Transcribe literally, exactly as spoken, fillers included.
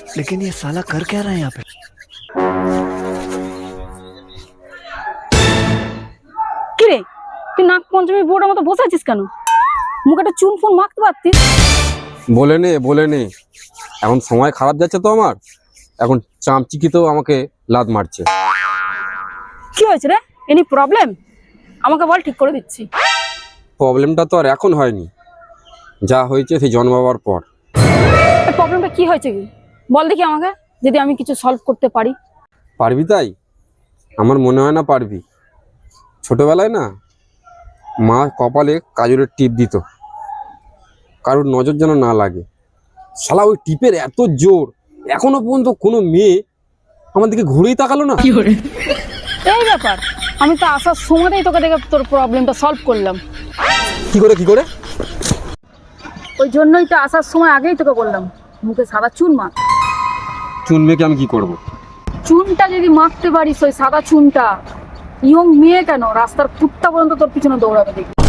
लेकिन ये साला कर क्या रहा है यहाँ पे? কি রে, তুই নাক পঞ্চমী বোর্ডের মতো বসে আছিস কেন? মুখে একটা চুন ফোন মাখতে পারতিস। বলে নে বলে নে এখন সময় খারাপ যাচ্ছে তো আমার, এখন চামচিকিতেও আমাকে লাত মারছে। কি হয়েছে রে? Any problem? আমাকে বল, ঠিক করে দিচ্ছি। প্রবলেমটা তো আর এখন হয়নি, যা হয়েছে সেই জন্মাবার পর। প্রবলেমটা কি হয়েছে কি বল দেখি আমাকে, যদি আমি কিছু সলভ করতে পারি। পারবি তাই? আমার মনে হয় না পারবি। ছোটবেলায় না মা কপালে কাজলের টিপ দিত, কারোর নজর যেন না লাগে। শালা ওই টিপের এত জোর, এখনো পর্যন্ত কোনো মেয়ে আমার দিকে ঘুরেই তাকালো না। এই ব্যাপার, আমি তো আসার সময়তেই তোকে দেখে তোর প্রবলেমটা সলভ করলাম। কি করে কি করে? ওই জন্যই তো আসার সময় আগেই তোকে বললাম মুখে সাদা চুন মাখ। চুন মেয়েকে আমি কি করব? চুনটা যদি মাখতে পারিস, ওই সাদা চুনটা, ইয়ং মেয়ে কেন রাস্তার কুত্তা পর্যন্ত তোর পিছনে দৌড়াবে দেখি।